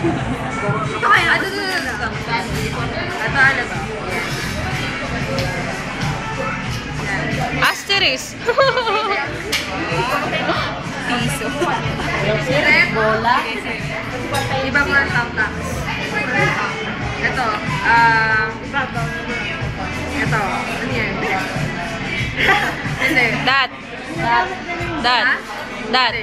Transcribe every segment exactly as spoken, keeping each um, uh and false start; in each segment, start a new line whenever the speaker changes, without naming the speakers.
Ito kaya. Ito, ito, ito. Ito, ano to?
Asterisk.
Piso. Sirep. Bola. Iba mga tamtax. Ito. Ah... Ito. Ano yan? Hindi.
Dat. Dat. Dat. Dat.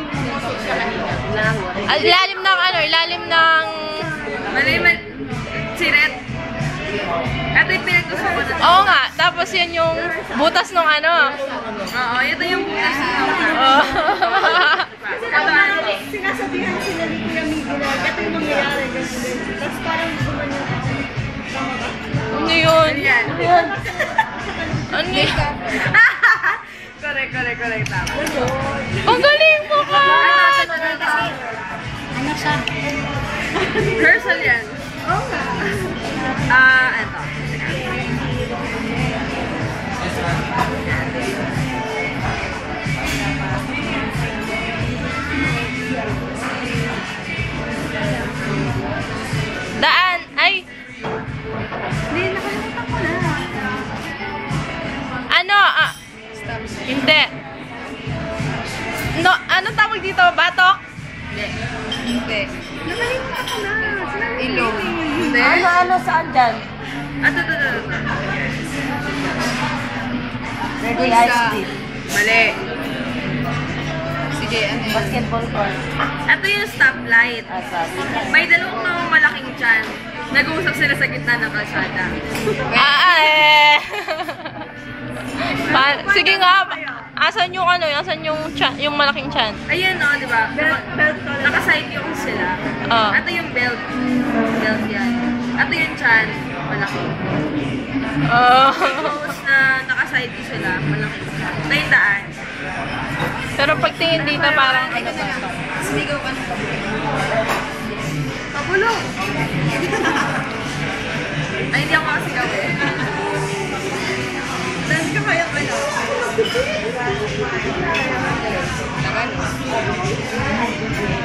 Ah, ilalim ng ano, ilalim ng...
Mali, mali. Siret. Ito yung pinag-gusto ko na.
Oo nga, tapos yan yung butas ng ano.
Oo, ito yung butas ng
Oh.
Ito ano?
Sinasabihan sila ni Kuya Miguel na ito yung mangyayari. Tapos parang gumawa
Ano yun?
Ano yan?
Ano yun?
Correct, correct, correct. Tama.
Ang galing mo ka!
Ano, ito, ito, ito.
Ano siya?
Rehearsal yan. Oo nga. Ah, ito.
Daan! Ay!
Hindi, nakalimutan ko na.
Ano? Ah, hindi. No, ano tawag dito? Batok?
Hindi. Hindi. Nakalimutan ko na. Ilong. Hindi.
Ano, ano, saan dyan?
Ah, ito, ito, ito, ito.
Ready ice cream.
Mali. Sige, ano yun?
Basketball court.
Ito yung stoplight.
Ah, sabi.
May dalawang mga malaking tiyan. Nag-uusap sila sa gitna ng kalsada.
Ah, eh. Pa sige nga, asan yung ano, asan yung chan, yung malaking chan?
Ayan o, di ba? Naka-side yung sila.
Ah.
Ito yung belt. Belt yan. Ito yung chan. Malaki.
Oh.
Tapos na naka-side yung sila. Malaki. Ito yung daan.
Pero pagtingin dito parang ano ba?
Sumigaw ka ng Pabulong! Ay, hindi ako makasigaw eh. Dahil ka kaya ka na. Tagal.